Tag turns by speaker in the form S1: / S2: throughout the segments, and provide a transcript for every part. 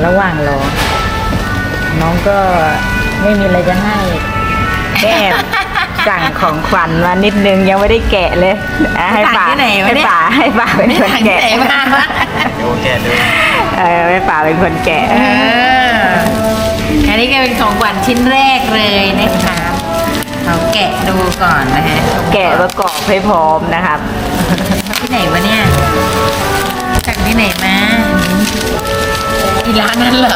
S1: ระหว่างรอน้องก็ไม่มีอะไรจะให้แก้สั่งของขวัญมานิดนึงยังไม่ได้แกะเลยให้ป๋าให้ป๋าเป็นคนแกะ
S2: ดูแกะดู
S1: ให้ป๋าเป็นคนแกะ
S3: อันนี้ก็เป็นของขวัญชิ้นแรกเลยนะคะเราแกะดูก่อนนะฮะ
S1: แกะประกอบให้พร้อมนะครับ
S3: ที่ไหนวะเนี่ยจากที่ไหนมาที่ร้านนั้นเหรอ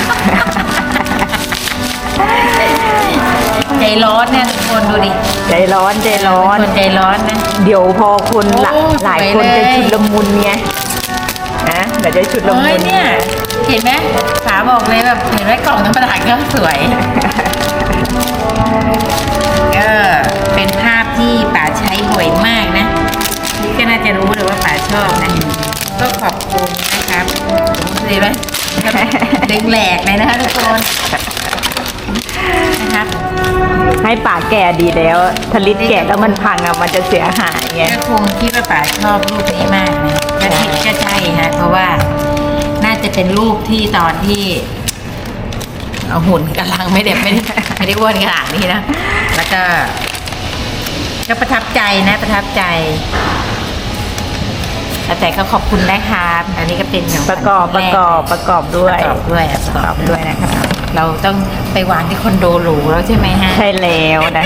S3: ใจร้อนเนี่ยทุกคนดูดิ
S1: ใจร้อน
S3: คนใจร้อนนะ
S1: เดี๋ยวพอคนหลายคนจะชุดละมุนไงนะเดี๋ยวจะชุดละมุน
S3: เนี่ยเห็นไหมขาบอกเลยแบบเห็นไหมกล่องธรรมดาก็สวยเป็นภาพที่ป๋าใช้บ่อยมากนะนี่ก็น่าจะรู้เลยว่าป๋าชอบนะก็ขอบคุณนะครับดีไหมดึงแหลกเลยนะคะทุกคนนะครับ
S1: ให้ป๋าแก่ดีแล้วถ้าลิดแก่แล้วมันพังอ่ะมันจะเสียหายไง
S3: ก็คงคิดว่าป๋าชอบรูปนี้มากนะก็คิดก็ใช่ฮะเพราะว่าน่าจะเป็นรูปที่ตอนที่หุ่นกำลังไม่ได้อ้วนขนาดนี้นะแล้วก็ประทับใจนะประทับใจแต่ก็ขอบคุณนะครับอันนี้ก็เป็น
S1: ประกอบด้วย
S3: นะครับเราต้องไปวางที่คอนโดหรูแล้วใช่ไหมฮะ
S1: ใช่แล้วนะ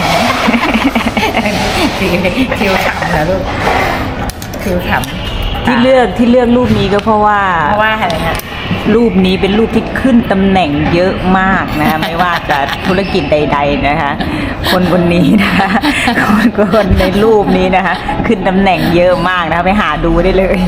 S3: คิวขำนะลูกคิวขำ
S1: ที่เลือกรูปนี้ก็เพราะว่า
S3: อะไรฮะ
S1: รูปนี้เป็นรูปที่ขึ้นตำแหน่งเยอะมากนะไม่ว่าจะธุรกิจใดๆนะคะคนนี้นะคะคนในรูปนี้นะคะขึ้นตำแหน่งเยอะมากนะคะไปหาดูได้เลย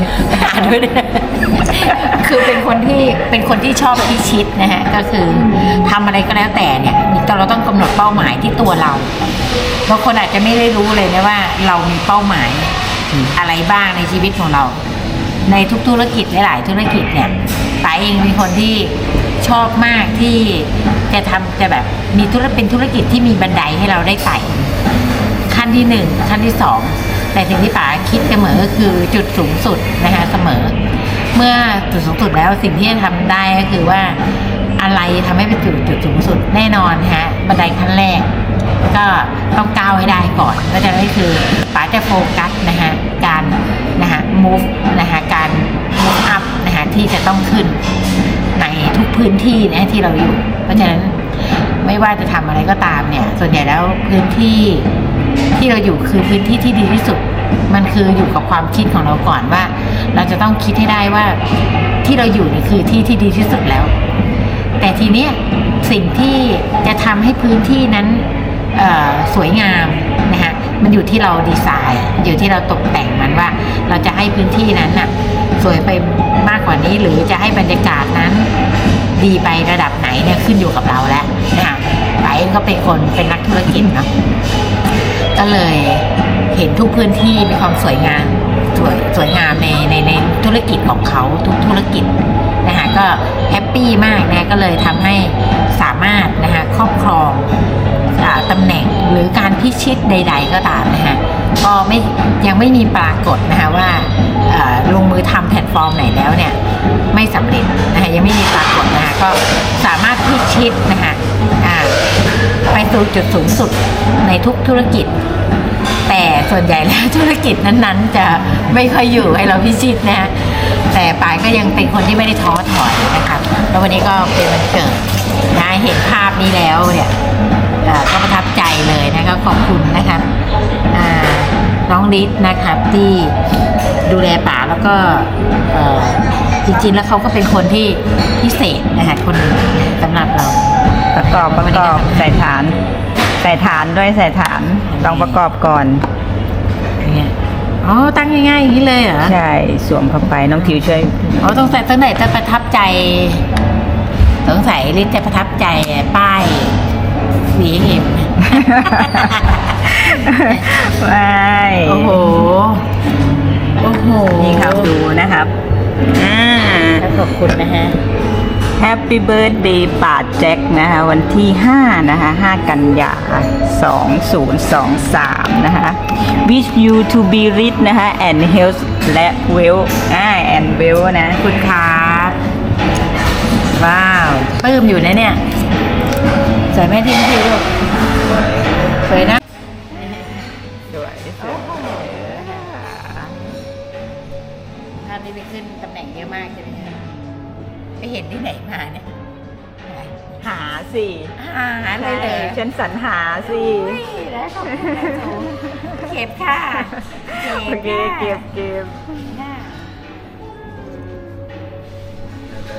S3: คือเป็นคนที่ชอบพิชิตนะฮะก็คือทำอะไรก็แล้วแต่เนี่ยเราต้องกำหนดเป้าหมายที่ตัวเราบางคนอาจจะไม่ได้รู้เลยนะว่าเรามีเป้าหมายอะไรบ้างในชีวิตของเราในทุกธุรกิจหลายๆธุรกิจเนี่ยป๋าเองเป็นคนที่ชอบมากที่จะแบบมีเป็นธุรกิจที่มีบันไดให้เราได้ไต่ขั้นที่1ขั้นที่2แต่สิ่งที่ป๋าคิดเสมอก็คือจุดสูงสุดนะคะเสมอเมื่อจุดสูงสุดแล้วสิ่งที่จะทำได้ก็คือว่าอะไรทำให้เป็นจุดสูงสุดแน่นอนฮะบันไดขั้นแรกก็ต้องก้าวให้ได้ก่อนก็จะได้คือป๋าจะโฟกัสนะฮะการนะฮะ move นะฮะการ move up นะฮะที่จะต้องขึ้นในทุกพื้นที่นะที่เราอยู่เพราะฉะนั้นไม่ว่าจะทำอะไรก็ตามเนี่ยส่วนใหญ่แล้วพื้นที่ที่เราอยู่คือพื้นที่ที่ดีที่สุดมันคืออยู่กับความคิดของเราก่อนว่าเราจะต้องคิดให้ได้ว่าที่เราอยู่นี่คือที่ที่ดีที่สุดแล้วแต่ทีเนี้ยสิ่งที่จะทำให้พื้นที่นั้นสวยงามนะฮะมันอยู่ที่เราดีไซน์อยู่ที่เราตกแต่งมันว่าเราจะให้พื้นที่นั้นน่ะสวยไปมากกว่านี้หรือจะให้บรรยากาศนั้นดีไประดับไหนเนี่ยขึ้นอยู่กับเราแล้วนะคะป๋าเองก็เป็นนักธุรกิจเนาะก็เลยเห็นทุกพื้นที่มีความสวยงามในธุรกิจของเขาทุกธุรกิจนะคะก็แฮปปี้มากนะก็เลยทำให้สามารถนะคะครอบครองตำแหน่งหรือการพิชิตใดๆก็ตามนะคะก็ยังไม่มีปรากฏนะคะว่าลงมือทำแพลตฟอร์มไหนแล้วเนี่ยไม่สำเร็จนะคะยังไม่มีปรากฏนะคะก็สามารถพิชิตนะคะไปสู่จุดสูงสุดในทุกธุรกิจแต่ส่วนใหญ่แล้วธุรกิจนั้นๆจะไม่ค่อยอยู่ให้เราพิชิตนะแต่ป๋าก็ยังเป็นคนที่ไม่ได้ท้อถอยนะคะแล้ววันนี้ก็เป็นวันเกิดนะเห็นภาพนี้แล้วเนี่ยก็ประทับใจเลยนะคะขอบคุณนะครับน้องฤทธิ์นะครับที่ดูแลป๋าแล้วก็จริงๆแล้วเขาก็เป็นคนที่พิเศษนะคะคนหนึ่งสำหรับเรา
S1: ประกอบใส่ฐานด้วยใส่ฐานต้องประกอบก่อน
S3: อ๋อตั้งง่ายๆอย่างนี้เลยเหรอ
S1: ใช่สวมเข้าไปน้องทิวช่วย
S3: อ๋อต้องใส่ตั้งไหนจะประทับใจสงสัยฤทธิ์จะประทับใจป้ายสีเห็ม
S1: ไม่
S3: โอ้โห
S1: นี่ครับดูนะครับ
S3: ขอบคุณนะฮะ
S1: Happy Birthday ป๋าแจ็คนะคะวันที่5นะคะ5 กันยา2023นะคะ Wish you to be rich นะคะ and health และ wealth and wealth นะ
S3: คุณครับว้าวปลื้มอยู่นะเนี่ยสวยไหมที่พี่ลูกสวยนะ
S1: สวย
S3: ภาพนี้ไปขึ้นตำแหน่งเยอะมากใช่ไหมคะไปเห็นที่ไหนมาเนี่ย
S1: หาสิ
S3: หาเลยเลย
S1: ฉันสรรหาสิ
S3: แล้วขอบคุณนะจูเก็บค่ะ
S1: โอเคเก็บ
S3: ได้